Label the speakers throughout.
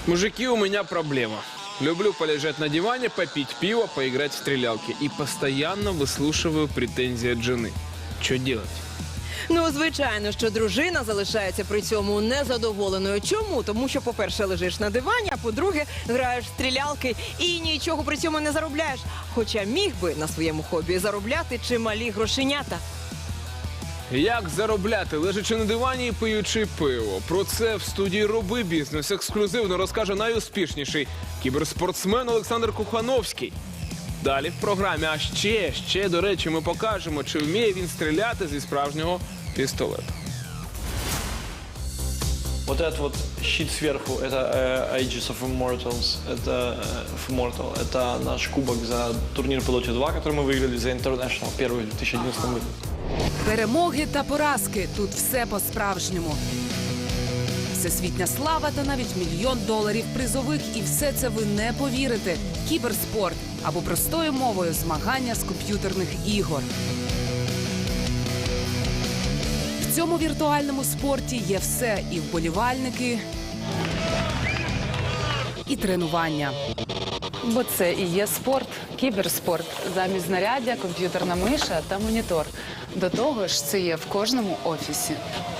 Speaker 1: Мужики, у меня проблема. Люблю полежать на диване, попить пиво, поиграть в стрелялки. И постоянно выслушиваю претензии от жены. Что делать?
Speaker 2: Ну, звичайно, що дружина залишається при цьому незадоволеною. Чому? Тому що, по-перше, лежиш на дивані, а по-друге, граєш в стрілялки і нічого при цьому не заробляєш. Хоча міг би на своєму хобі заробляти чималі грошенята.
Speaker 1: Як заробляти, лежачи на дивані і пиючи пиво? Про це в студії «Роби бізнес» ексклюзивно розкаже найуспішніший кіберспортсмен Олександр Кухановський. Далі в програмі, а ще, до речі, ми покажемо, чи вміє він стріляти зі справжнього пістолета.
Speaker 3: Вот этот вот щит сверху, это Aegis of Immortals, это наш кубок за турнир по Dota 2, который мы выиграли за International, первый в 2011 году.
Speaker 4: Перемоги та поразки. Тут все по-справжньому. Всесвітня слава та навіть $1 мільйон призових. І все це ви не повірите. Кіберспорт. Або простою мовою змагання з комп'ютерних ігор. В цьому віртуальному спорті є все. І вболівальники, і тренування.
Speaker 5: Бо це і є спорт, кіберспорт. Замість знаряддя, комп'ютерна миша та монітор. До того ж, це є в кожному офісі.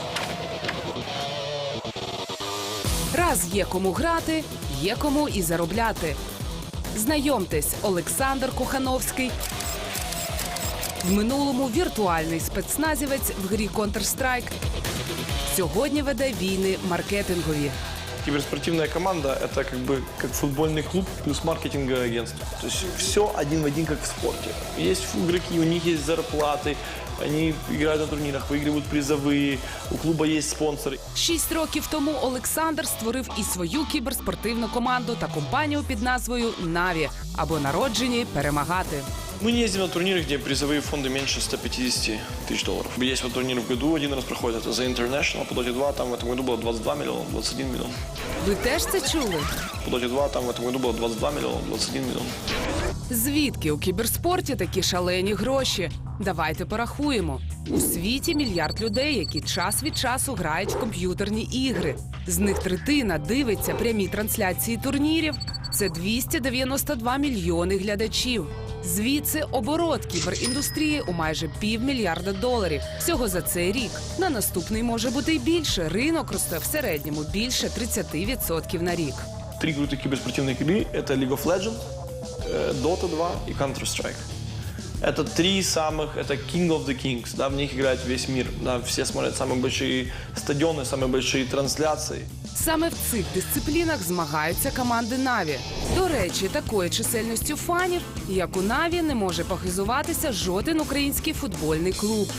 Speaker 4: Раз є кому грати, є кому і заробляти. Знайомтесь, Олександр Кухановський. В минулому віртуальний спецназівець в грі Counter-Strike. Сьогодні веде війни маркетингові.
Speaker 3: Киберспортивная команда – это как футбольный клуб плюс маркетинговое агентство. То есть все один в один, как в спорте. Есть игроки, у них есть зарплаты, они играют на турнирах, выигрывают призовые, у клуба есть спонсоры.
Speaker 4: 6 років тому Олександр створив і свою кіберспортивну команду та компанію під назвою «Наві» або «Народжені перемагати».
Speaker 3: Мы не ездим на турниры, где призовые фонды меньше $150 тысяч. Есть вот турнир в году, один раз проходит, это за International, по Dota 2, там в этом году было 22 миллиона, 21 миллион.
Speaker 4: Ви теж це чули?
Speaker 3: По Dota 2, там в этом году было 22 миллиона, 21 миллион.
Speaker 4: Звідки у кіберспорті такі шалені гроші? Давайте порахуємо. У світі 1 мільярд людей, які час від часу грають в комп'ютерні ігри. З них третина дивиться прямі трансляції турнірів. Це 292 мільйони глядачів. Звідси оборот кіберіндустрії у майже $500 мільярда. Всього за цей рік. На наступний може бути й більше. Ринок росте в середньому більше 30% на рік.
Speaker 3: 3 крутых киберспортивных игры – это League of Legends, Dota 2 и Counter-Strike. Это 3 самых, это King of the Kings, да, в них играет весь мир, да, все смотрят самые большие стадионы, самые большие трансляции.
Speaker 4: Саме в цих дисциплінах змагаються команди «Наві». До речі, такою чисельністю фанів, як у «Наві», не може похизуватися жоден український футбольний клуб.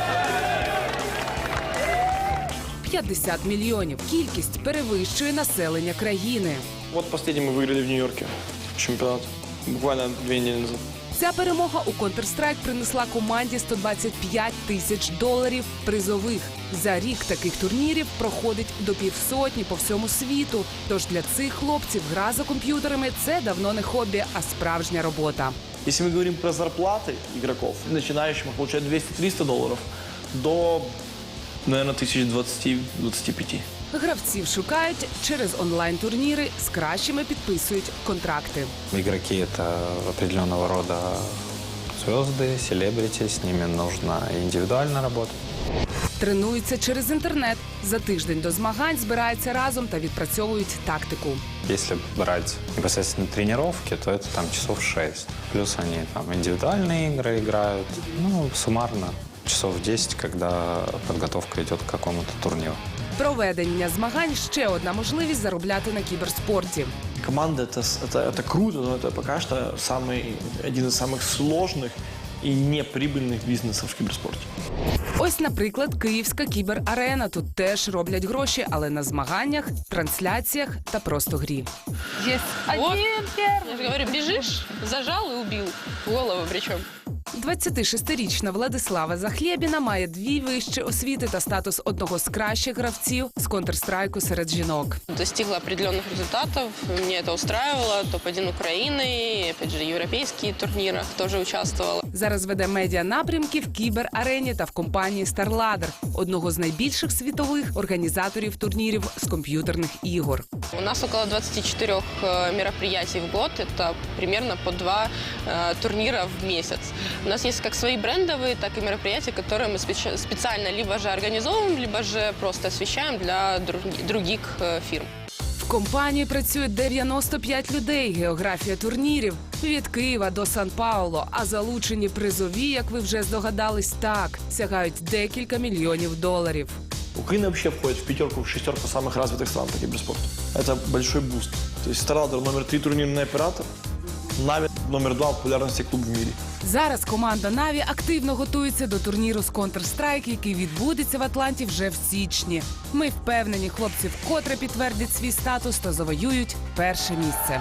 Speaker 4: 50 мільйонів. Кількість перевищує населення країни.
Speaker 3: Вот последний мы выиграли в Нью-Йорке чемпионат, буквально 2 недели назад.
Speaker 4: Ця перемога у Counter-Strike принесла команді $125 тисяч призових. За рік таких турнірів проходить до 500 по всьому світу. Тож для цих хлопців гра за комп'ютерами – це давно не хобі, а справжня робота.
Speaker 3: Если мы говорим про зарплаты игроков, начинающим получают $200-300 до, наверное, 1020-25.
Speaker 4: Гравців шукають через онлайн-турніри, з кращими підписують контракти.
Speaker 6: Игроки – это определенного рода звезды, селебрити, с ними нужно индивидуально работать.
Speaker 4: Тренуються через інтернет. За тиждень до змагань збираються разом та відпрацьовують тактику.
Speaker 6: Если брать непосредственно тренировки, то это там часов 6. Плюс они там индивидуальные игры играют. Ну, суммарно часов 10, когда подготовка идет к какому-то турниру.
Speaker 4: Проведення змагань – ще одна можливість заробляти на кіберспорті.
Speaker 3: Команда это круто, но это пока что один из самых сложных и неприбыльных бизнесов в киберспорте.
Speaker 4: Ось, наприклад, Київська кіберарена. Тут теж роблять гроші, але на змаганнях, трансляціях та просто грі.
Speaker 5: Есть один первый.
Speaker 7: Я же говорю, бежишь, зажал и убил. В голову причем.
Speaker 4: 26-річна Владислава Захлєбіна має 2 вищі освіти та статус одного з кращих гравців з Counter-Strike серед жінок.
Speaker 7: Достигла определенных результатов, мне это устраивало. Топ-1 Украины, опять же, европейские турниры тоже участвовала.
Speaker 4: Зараз веде медіа-напрямки в кіберарені та в компанії StarLadder, одного з найбільших світових організаторів турнірів з комп'ютерних ігор.
Speaker 7: У нас около 24 мероприятий в год, это примерно по 2 турнира в месяц. У нас есть как свои брендовые, так и мероприятия, которые мы специально либо же организовываем, либо же просто освещаем для других фирм.
Speaker 4: В компанії працює 95 людей. Географія турнірів від Києва до Сан-Пауло. А залучені призові, як ви вже здогадались, так, сягають декілька мільйонів доларів.
Speaker 3: Украина вообще входит в 5-ку, в 6-ку самых развитых стран по киберспорту. Это большой буст. То есть StarLadder номер 3 турнирный оператор, Na'Vi номер 2 популярности клуб в мире.
Speaker 4: Зараз команда Na'Vi активно готується до турніру з Counter-Strike, який відбудеться в Атланті вже в січні. Ми впевнені, хлопці вкотре підтвердять свій статус та завоюють перше місце.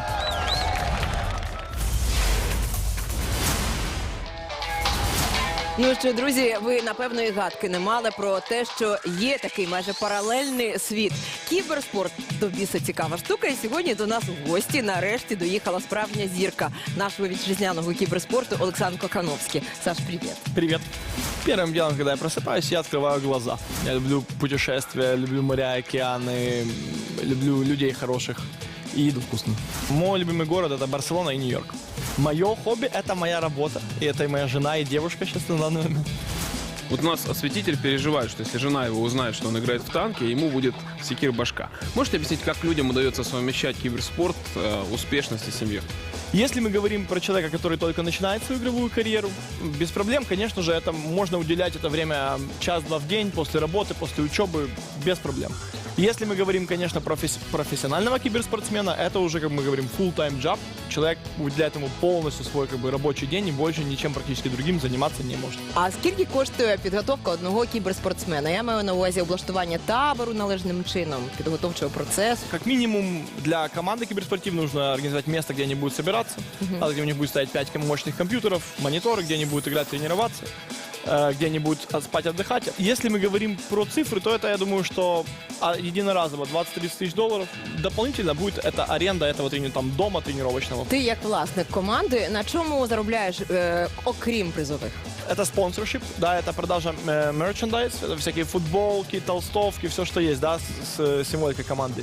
Speaker 2: Ну що, друзі, ви напевно і гадки не мали про те, що є такий майже паралельний світ. Кіберспорт до біса цікава штука. І сьогодні до нас в гості нарешті доїхала справжня зірка нашого вітчизняного кіберспорту Олександр Кохановський. Саш, привіт.
Speaker 3: Привет. Первым делом, когда я просыпаюсь, я открываю глаза. Я люблю путешествия, люблю моря, океаны, люблю людей хороших и еду вкусную. Мой любимый город — это Барселона и Нью-Йорк. Мое хобби — это моя работа. И это и моя жена, и девушка сейчас на данный момент.
Speaker 1: Вот у нас осветитель переживает, что если жена его узнает, что он играет в танки, ему будет секир башка. Можете объяснить, как людям удается совмещать киберспорт, успешность и семью?
Speaker 3: Если мы говорим про человека, который только начинает свою игровую карьеру, без проблем, конечно же, это можно уделять это время час-два в день, после работы, после учебы, без проблем. Если мы говорим, конечно, про профессионального киберспортсмена, это уже, как мы говорим, full-time job. Человек уделяет ему полностью свой рабочий день и больше ничем практически другим заниматься не может.
Speaker 2: А скільки коштує підготовка одного кіберспортсмена? Я маю на увазі облаштування табору належним чином, підготовчого процесу.
Speaker 3: Как минимум для команды киберспортивной нужно организовать место, где они будут собираться, где у них будет стоять 5 мощных компьютеров, мониторы, где они будут играть, тренироваться, где они будут спать, отдыхать. Если мы говорим про цифры, то это, я думаю, что единоразово 20-30 тысяч долларов. Дополнительно будет это аренда этого там, дома тренировочного.
Speaker 2: Ти як власник команди, на чому заробляєш, окрім призових?
Speaker 3: Это спонсоршип, да, это продажа мерчендайз, это всякие футболки, толстовки, все, что есть, да, с символикой команды.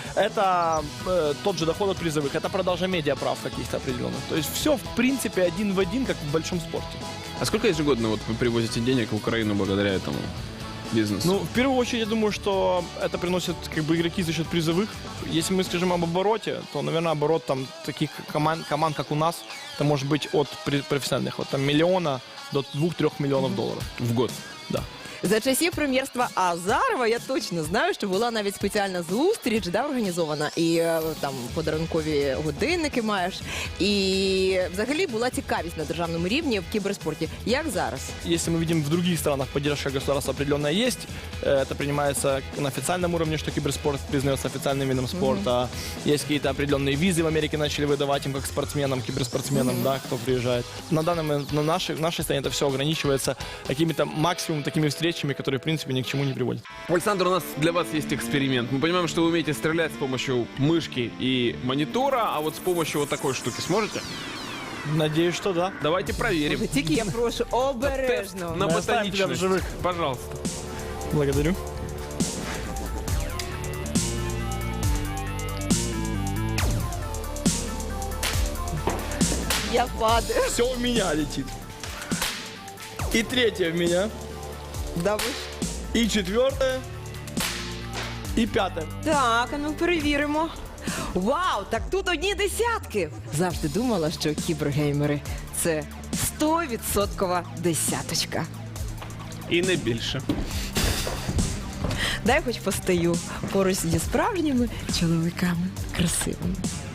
Speaker 3: Это тот же доход от призовых, это продажа медиаправ каких-то определенных. То есть все, в принципе, один в один, как в большом спорте.
Speaker 1: А сколько ежегодно вот вы привозите денег в Украину благодаря этому бизнесу?
Speaker 3: Ну, в первую очередь, я думаю, что это приносит игроки за счет призовых. Если мы скажем об обороте, то, наверное, оборот там таких команд, как у нас, это может быть от профессиональных, от там, миллиона до 2-3 миллионов долларов.
Speaker 1: В год?
Speaker 3: Да.
Speaker 2: За часів прем'єрства Азарова я точно знаю, що була навіть спеціальна зустріч, да, організована, і там подарункові годинники маєш. І взагалі була цікавість на державному рівні в кіберспорті. Як зараз?
Speaker 3: Если мы видим в других странах поддержка государства определенная есть, это принимается на официальном уровне, что киберспорт признается официальным видом спорта. Есть какие-то определенные визы в Америке начали выдавать им как спортсменам, киберспортсменам, да, кто приезжает. На данный момент в нашей стране это все ограничивается какими-то максимум такими встречами, которые, в принципе, ни к чему не приводят.
Speaker 1: Александр, у нас для вас есть эксперимент. Мы понимаем, что вы умеете стрелять с помощью мышки и монитора, а вот с помощью вот такой штуки сможете?
Speaker 3: Надеюсь, что да.
Speaker 1: Давайте проверим.
Speaker 2: Боже, тільки я прошу обережно.
Speaker 1: На
Speaker 3: Мы оставим тебя в
Speaker 1: ботаничность.
Speaker 3: живых.
Speaker 1: Пожалуйста.
Speaker 3: Благодарю.
Speaker 2: Я падаю.
Speaker 3: Все у меня летит. И третье в меня,
Speaker 2: Да ви ж.
Speaker 3: и четвертое, и пятое.
Speaker 2: Так, а ну перевіримо. Вау, так тут одні десятки. Завжди думала, що кібергеймери – це 100% десяточка.
Speaker 1: І не більше.
Speaker 2: Дай хоч постою поруч зі справжніми чоловіками красивими.